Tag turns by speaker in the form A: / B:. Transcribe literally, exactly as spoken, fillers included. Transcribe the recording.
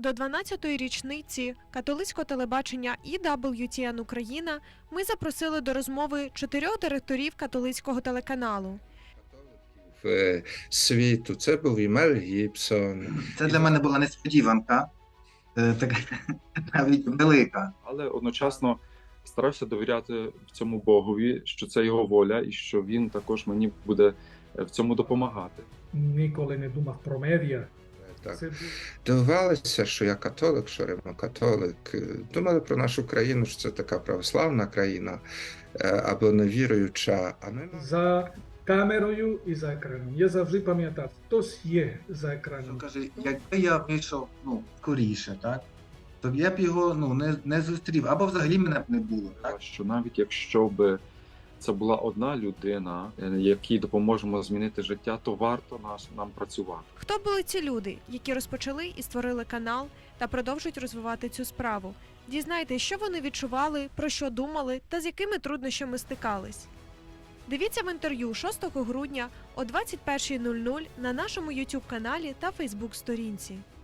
A: До дванадцятої річниці католицького телебачення і дабл ю ті ен Україна ми запросили до розмови чотирьох директорів католицького телеканалу.
B: В світу це був і Мел Гібсон.
C: Це для мене була несподіванка, е, така навіть велика.
D: Але одночасно старався довіряти в цьому Богові, що це його воля і що він також мені буде в цьому допомагати.
E: Ніколи не думав про медіа.
B: Так.
E: Це був
B: Дивувалися, що я католик, що римокатолик. Думали про нашу країну, що це така православна країна або невіруюча. А ми
E: за камерою і за екраном. Я завжди пам'ятав, хтось є за
C: Він
E: екраном.
C: каже, якби я вийшов ну, скоріше, так, то я б його ну, не, не зустрів, або взагалі мене б не було. Так?
D: Що навіть якщо б це була одна людина, якій допоможемо змінити життя, то варто нас нам працювати.
A: Хто були ці люди, які розпочали і створили канал та продовжують розвивати цю справу? Дізнайтесь, що вони відчували, про що думали та з якими труднощами стикались. Дивіться в інтерв'ю шостого грудня о двадцять першій нуль нуль на нашому ютуб каналі та фейсбук сторінці.